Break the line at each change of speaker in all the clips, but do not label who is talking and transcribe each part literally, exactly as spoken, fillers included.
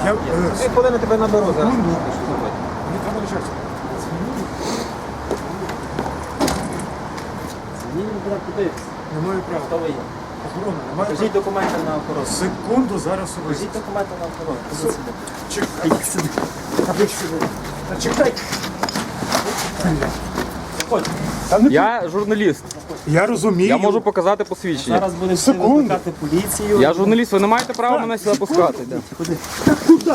Я,
Є.
е,
Дві хвилини тебе наберу зараз.
секунду.
Що робити?
Мені треба начальство.
Ні, не буде подивитися.
Немає права.
Хто ви є?
Охорона, немає
Покажіть
права.
документи на охорону.
Секунду, зараз
Покажіть
особисто.
документи на охорону.
Су-
Ходіть сюди.
Чекай.
Ходіть сюди. Ходіть сюди.
Та чекай.
Ходь.
Та не
Я журналіст.
Я розумію.
Я можу показати посвідчення.
Зараз буде всі
Секунду.
викликати поліцію.
Я журналіст, ви не маєте права мене сюди пускати. Да.
Куди?
Куди?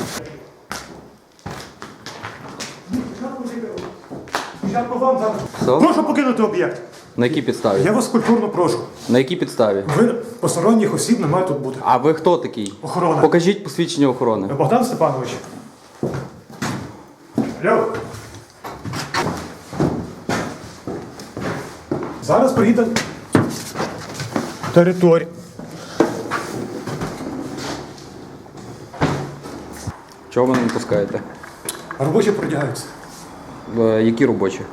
Я по вам зараз.
Все?
Прошу покинути об'єкт.
На якій підставі?
Я вас культурно прошу.
На якій підставі?
Ви посторонніх осіб не має тут бути.
А ви хто такий?
Охорона.
Покажіть посвідчення охорони.
Богдан Степанович. Алло. Зараз приїде територія.
Чого ви не пускаєте?
Робочі продягаються.
В- Які робочі?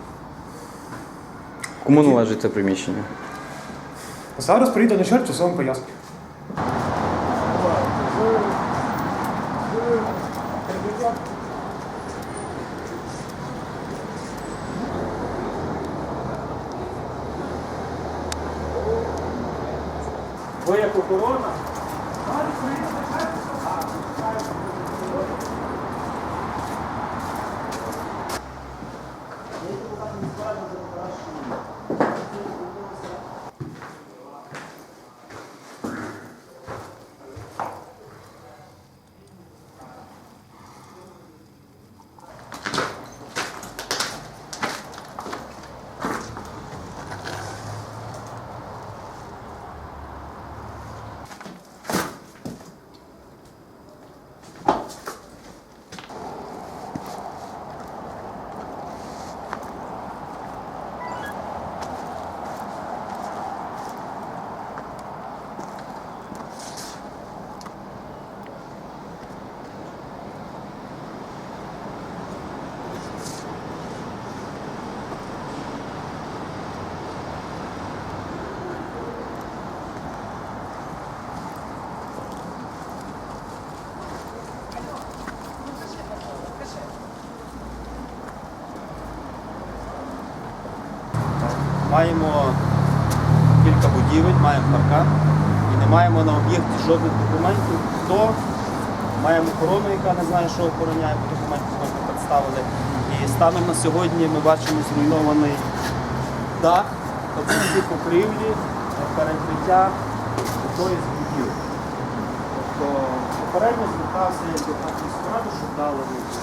Кому належить це приміщення?
Зараз приїде начальник, все вам поясню.
Ви як охорона? Маємо кілька будівель, маємо паркан і не маємо на об'єкті жодних документів. Хто? Маємо охорону, яка не знає, що охороняє, бо документів знову не представили. І станом на сьогодні ми бачимо зруйнований дах, обсяги покрівлі, перекриття одної з будівель. Тобто попередньо звертався як до адміністрату, щоб дали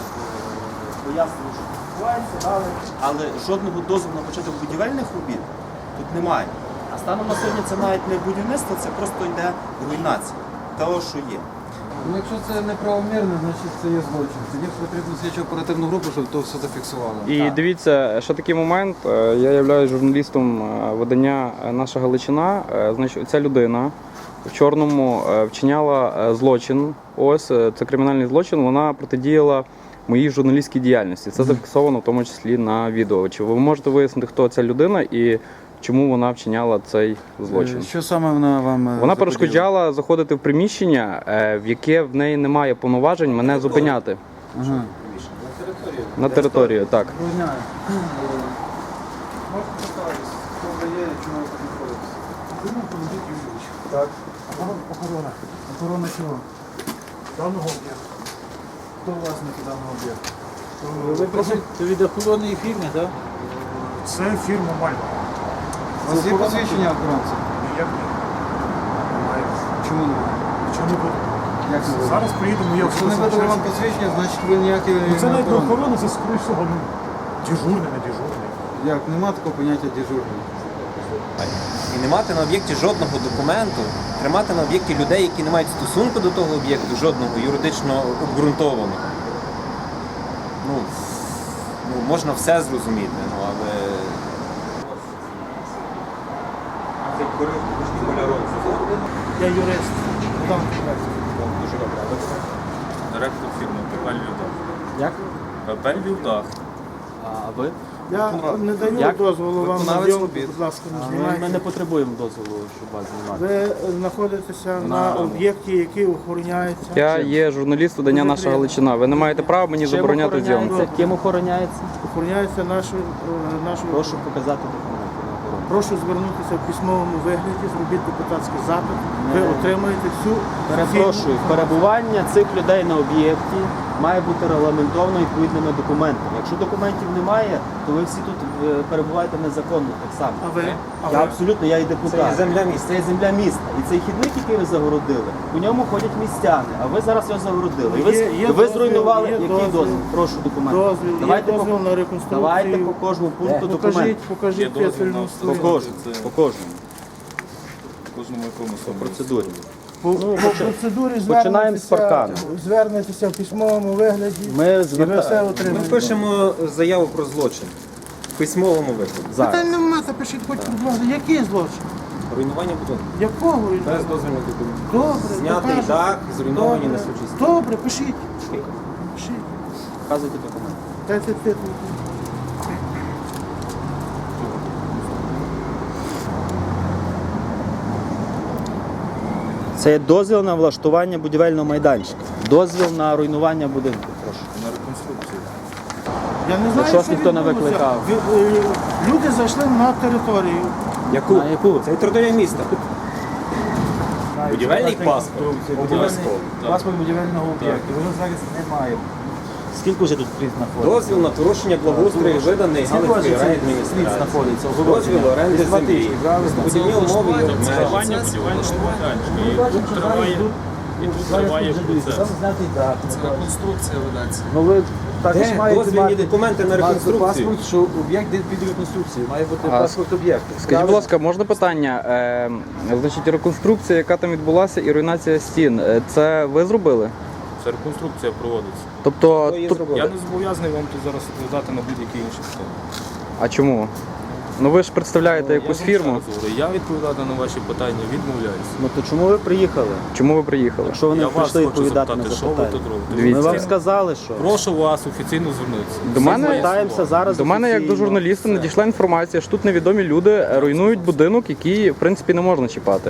пояснення, що відбувається, дали, але жодного дозволу на початок будівельних робіт тут немає. А станом на сьогодні це навіть не будівництво, це просто йде руйнація того, що є.
Ну, якщо це неправомірно, значить це є злочин. Тоді потрібно слідчо оперативну групу, щоб то все зафіксувало.
І
Так.
дивіться, ще такий момент. Е, Я являюсь журналістом е, видання е, «Наша Галичина». Е, Значить, ця людина в чорному е, вчиняла е, злочин. Ось е, це кримінальний злочин. Вона протидіяла моїй журналістській діяльності. Це зафіксовано в тому числі на відео. Чи ви можете вияснити, хто ця людина і чому вона вчиняла цей злочин?
Е, Що саме вона вам е,
Вона
заподіяла?
перешкоджала заходити в приміщення, е, в яке в неї немає повноважень мене зупиняти
Ага.
на територію. Так.
Розняю. Можете поставитися, хто ви є і чому ви тут знаходитесь?
Думаю, Володимир Юрійович.
Так.
Охорона.
Охорона чого?
Даного об'єкту.
Хто власник даного об'єкту? Ви працюєте від охоронної фірми, так?
Це фірма Мальва.
У вас є посвідчення охоронця?
Ніяк ні. Немає.
Чому не?
Чого не буде?
Як не буде?
Зараз приїдемо, я
Якщо не видали вам посвідчення, значить ви ніякі
Ну, це
не
навіть не
охоронець.
охорона, це скоріш всього, ну, дежурний, не дежурний.
Як? Нема такого поняття дежурний.
І не мати на об'єкті жодного документу, тримати на об'єкті людей, які не мають стосунку до того об'єкту, жодного юридично обґрунтованого. Ну, ну, можна все зрозуміти, ну, але...
Я юрист.
Дуже добре. Директор фірми Пепель Вівдах.
Як?
Пепель Вівдах.
А ви?
Я не даю
Як?
дозволу вам на
Виконавець
зйомку,
робіт.
будь ласка, не
Ми, ми
знімайте.
не потребуємо дозволу, щоб вас знімати.
Ви е, знаходитеся на об'єкті, який охороняється.
Я є журналіст видання
Дуже
Наша
приємно.
Галичина. Ви не маєте права мені
Чим
забороняти
охороняється?
зйомку.
Ким охороняється?
Охороняється нашою е, нашою.
Прошу показати документи на охорону.
Прошу звернутися в письмовому вигляді, зробіть депутатський запит. Ви
Не.
отримаєте всю
Перепрошую, перебування цих людей на об'єкті має бути регламентовано відповідними документами. Якщо документів немає, то ви всі тут е, перебуваєте незаконно так само.
А ви? А
Я
ви?
абсолютно, я і депутат.
Це є земля міста.
Це є земля міста. І цей хідник, який ви загородили, по ньому ходять містяни, а ви зараз його загородили. І ви,
Є- є
і ви
дозвіл,
зруйнували
є
який
дозвіл.
дозвіл? Прошу документи.
Дозвіл, є
давайте,
дозвіл
по,
на реконструкцію.
давайте по кожному пункту
Покажіть,
документи.
покажіть
Є дозвіл на
п'ятильну
По
встановлення.
кожному.
Це-
По кожному.
Кожному якому
По процедурі.
По, по процедурі
Починаємо з
звернетеся,
паркану.
звернетеся в письмовому вигляді,
Ми
і ви
зверта-
все
Ми
отримаєте.
пишемо заяву про злочин в письмовому вигляді.
Зараз.
Питань нема, запишіть хоч, будь ласка, який злочин?
Руйнування будинку.
Якого?
Без дозвільних документів.
Добре,
Знятий
докажете.
дах, зруйновані
Добре.
несучі стіни.
Добре, пишіть. Пишіть.
Показуйте документи.
Дайте титул.
Це є дозвіл на влаштування будівельного майданчика. Дозвіл на руйнування будинку. Прошу.
на реконструкцію.
Я не знаю,
Що ж
що
ніхто не
відбулося.
викликав?
Ви- е, Люди зайшли на територію.
Яку?
На яку?
Це територія міста. Будівельний паспорт. Обов'язково.
Паспорт будівельного об'єкту. Його зараз немає.
Скільки вже тут пліт знаходиться?
Дозвіл на порушення благоустрою виданий Галицької райадміністрації.
знаходиться?
Дозвіл оренди землі. Будівні умови і обмеження.
Реконструкція ведеться.
Ну ви також
Де
маєте
дозвільні
мати
документи на реконструкцію?
паспорт, що об'єкт де під реконструкцією. Має бути
А,
паспорт об'єкту.
Скажіть, будь ласка, можна питання? Е, значить, реконструкція, яка там відбулася, і руйнація стін, е, це ви зробили?
Це реконструкція проводиться.
Тобто,
Хто її
тут-
зробив?
Я не зобов'язаний вам тут зараз відповідати на будь-які інші питання.
а чому? Ну ви ж представляєте якусь
Я вам
фірму.
ще раз говорю, Я відповідати на ваші питання відмовляюся.
Ну то чому ви приїхали?
Чому ви приїхали?
Якщо ви не
Я вас
прийшли
хочу
відповідати на
запитати, що ви
запитання.
тут робите.
Дивіться.
Ми вам сказали, що
Прошу вас офіційно звернутися.
До
ми
мене,
звертаємося зараз.
до мене як до
офіційно.
журналіста надійшла інформація, що тут невідомі люди е, руйнують будинок, який в принципі не можна чіпати.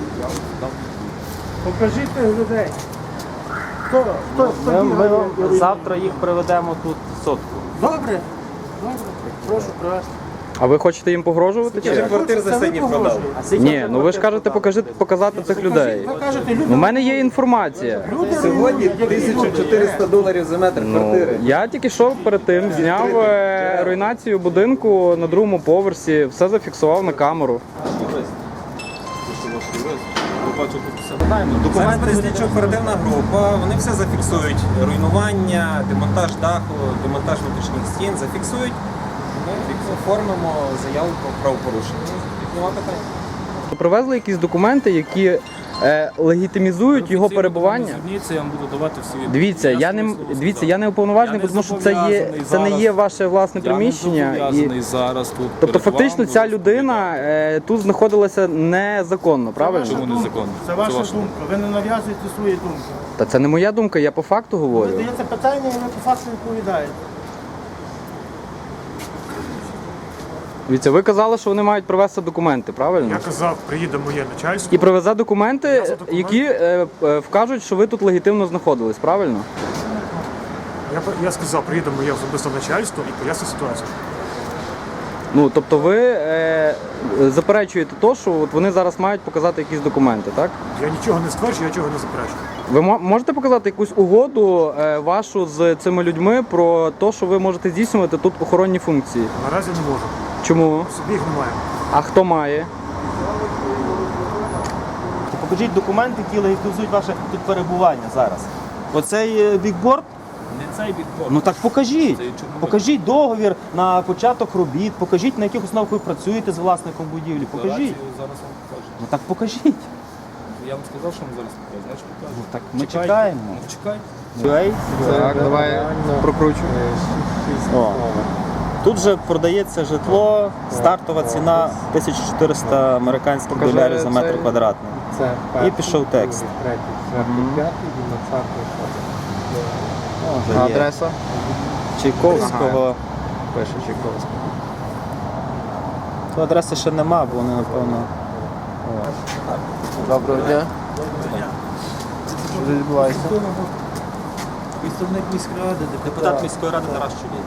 Покажіть тих людей. Хто, хто, хто
Ми,
бігає
ми
і руйнує?
завтра їх приведемо тут сотку.
Добре. Добре. Прошу привезти.
А ви хочете їм погрожувати?
Я
Чи?
вже
як?
квартир за
Це ви
сьогодні продав.
погрожуєте.
Ні, ну ви ж кажете, покажи, показати цих людей.
Ви кажете, люди,
У мене є інформація.
люди
Сьогодні
руйнують, які
тисяча
люди?
чотириста доларів за метр
Ну,
квартири.
я тільки що перед тим зняв е, руйнацію будинку на другому поверсі, все зафіксував на камеру.
Зараз буде слідчо оперативна група, вони все зафіксують. Руйнування, демонтаж даху, демонтаж внутрішніх стін зафіксують. Ми оформимо заяву про правопорушення. Нема питань.
Привезли якісь документи, які е, легітимізують його перебування.
Зверніться, я вам буду давати всі
Дивіться, я не
пояснення
дивіться,
свого
я не уповноважений,
Я не
тому що це є
зобов'язаний
це не є
зараз.
ваше власне
Я не
приміщення.
зобов'язаний
І,
зараз тут
тобто,
перед
фактично,
вами
ця
розповідати.
людина е, тут знаходилася незаконно, правильно?
Чому незаконно?
Це ваша
ваша
думка. Ви не нав'язуєте свої думки.
Та це не моя думка, я по факту
Ви
говорю.
даєте питання, і ви по факту відповідаєте.
Дивіться, ви казали, що вони мають привезти документи, правильно?
Я казав, приїде моє начальство.
І привезе документи,
Я за документи.
які е, е, вкажуть, що ви тут легітимно знаходились, правильно?
Я, я сказав, приїде моє особисте начальство і пояснить ситуацію.
Ну, тобто ви е, заперечуєте то, що от вони зараз мають показати якісь документи, так?
Я нічого не стверджую, я нічого не заперечую.
Ви мо- можете показати якусь угоду е, вашу з цими людьми про те, що ви можете здійснювати тут охоронні функції?
Наразі не можу.
Чому?
Собі їх немає.
А хто має?
Покажіть документи, які легітимізують ваше тут перебування зараз. Оцей е, бікборд?
Не цей бікборд.
Ну так покажіть.
Це чому ви-
Покажіть договір на початок робіт, покажіть, на яких основах ви працюєте з власником будівлі. Покажіть.
Декларацію зараз вам покажу.
Ну так покажіть.
Я вам сказав, що вам зараз покажу, значить покажу.
Ну так ми
Чекайте.
чекаємо.
Ну, чекайте.
Ей,
Так, давай прокручу.
О. Тут же продається житло, стартова ціна тисяча чотириста американських
Покажи
доларів за метр
цей.
квадратний.
Це
І пішов текст.
третій, четвертий, п'ятий, двадцятий, шостий.
Вже є.
Адреса?
Чайковського
пише Чайковський.
То адреси ще нема, бо вони, напевно. Доброго дня. Що тут відбувається?
Представник міськради,
Депутат міської ради Тарас Чулій.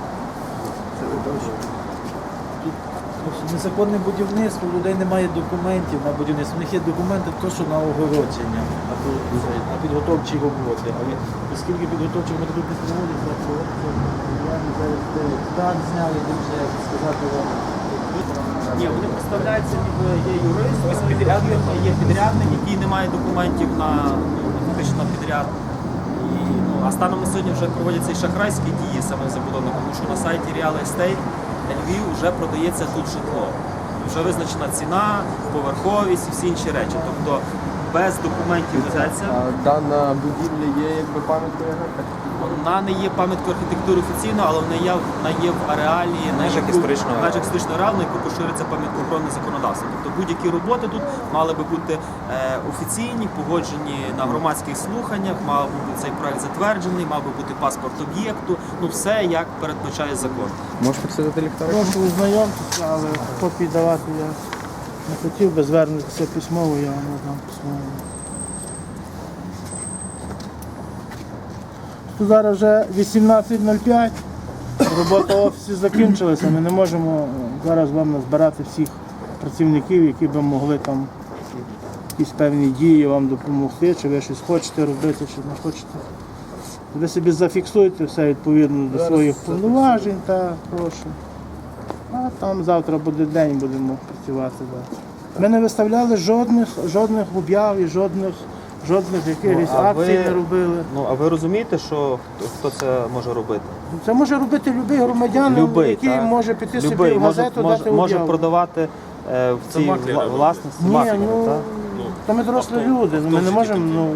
Незаконне будівництво, у людей немає документів на будівництво. У них є документи то, що на огородження, на, пи- на підготовчі роботи. Але оскільки підготовчі роботи тут не проводяться, то я не зараз де так зняли, де вже як сказати вам.
Ні, вони представляються, ніби є юрист, ось підрядник, є підрядник, який не має документів на ну, фактично на підряд. І, ну, а станом на сьогодні вже проводяться і шахрайські дії самих забудовників, тому що на сайті Real Estate Львів вже продається тут житло. Вже визначена ціна, поверховість і всі інші речі. Тобто без документів везеться.
Дана будівля є якби пам'яткою архітектури?
Вона не є пам'яткою архітектури офіційно, але вона є, вона є в ареалі, на
межах
яку-
історичного
в межах історичного ареалу, на яку поширюється пам'яткоохоронне законодавство. Тобто будь-які роботи тут мали би бути е, офіційні, погоджені на громадських слуханнях, мав би бути цей проект затверджений, мав би бути паспорт об'єкту. Ну все як передбачає закон.
Можеш посидити ліхтарик?
Прошу ознайомтеся, але копії давати я не хотів би звернутися письмово, я вам не дам письмово. Тут зараз вже вісімнадцять нуль п'ять, робота офісу закінчилася, ми не можемо зараз вам назбирати всіх працівників, які б могли там якісь певні дії вам допомогти, чи ви щось хочете робити, чи не хочете. Ви собі зафіксуєте все відповідно до своїх повноважень, та прошу. А там завтра буде день, будемо працювати далі. Ми не виставляли жодних, жодних об'яв і жодних, жодних якихось
Ну, а
акцій
ви-
не робили.
Ну а ви розумієте, що хто, хто це може робити?
Це може робити будь-який громадянин,
Любий,
який
так?
може піти собі
Любий
в
може,
газету,
може,
дати
може
об'яву.
продавати е, в цій
маклери
вла-
роблять.
власності
Ні,
маклери,
ну,
так?
то ми дорослі люди, ми не можемо, ну,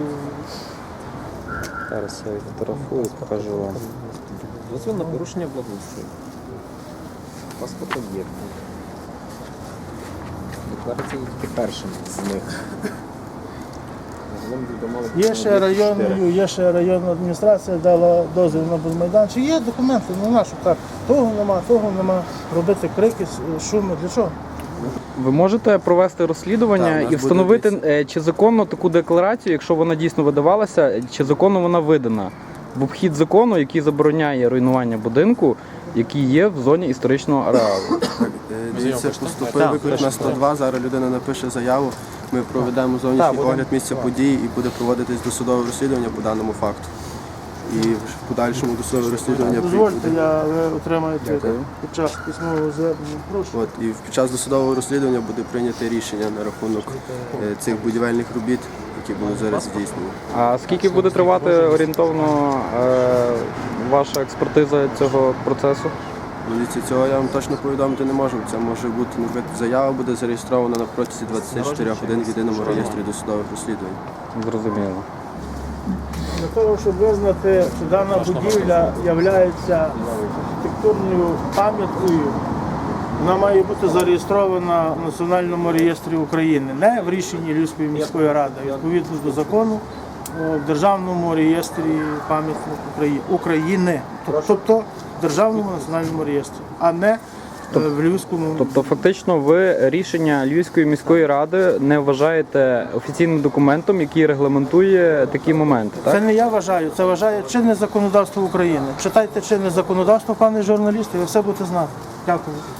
Зараз я відфотографую, покажу вам.
Дозвіл на порушення благоустрою. Паспорт об'єкту. Декларація є тільки першим з них. Загалом відомали
є ще районною, є ще районна адміністрація дала дозвіл на будмайданчик. Є документи, ну на що так, того нема, того нема, робити крики, шуми, для чого?
Ви можете провести розслідування
Так, у нас
і
буде
встановити,
дивіться.
е, чи законно таку декларацію, якщо вона дійсно видавалася, чи законно вона видана в обхід закону, який забороняє руйнування будинку, який є в зоні історичного ареалу.
Так, е, дивіться, поступив
Так,
виклик на сто два, зараз людина напише заяву, ми проведемо зовнішній огляд місця події і буде проводитись досудове розслідування по даному факту. І в подальшому досудове розслідування
Дозвольте,
буде.
я, ви отримаєте
Дякую.
під час письмового звернення. Прошу.
От, і під час досудового розслідування буде прийнято рішення на рахунок е, цих будівельних робіт, які були зараз здійснені.
А скільки буде тривати орієнтовно е, ваша експертиза цього процесу?
Дивіться, цього я вам точно повідомити не можу. Це може бути, наприклад, заява буде зареєстрована на протязі двадцяти чотирьох годин в єдиному реєстрі досудових розслідувань.
Зрозуміло.
Для того, щоб визнати, що дана будівля є архітектурною пам'яткою, вона має бути зареєстрована в Національному реєстрі України, не в рішенні Львівської міської ради, а відповідно до закону о, в Державному реєстрі пам'яток Украї- України, тобто в Державному національному реєстрі, а не е, в Львівському.
Тобто, фактично, ви рішення Львівської міської ради не вважаєте офіційним документом, який регламентує такі моменти,
Це
так?
не я вважаю, це вважає чинне законодавство України. Читайте чинне законодавство, пане журналісти, і ви все будете знати. Дякую.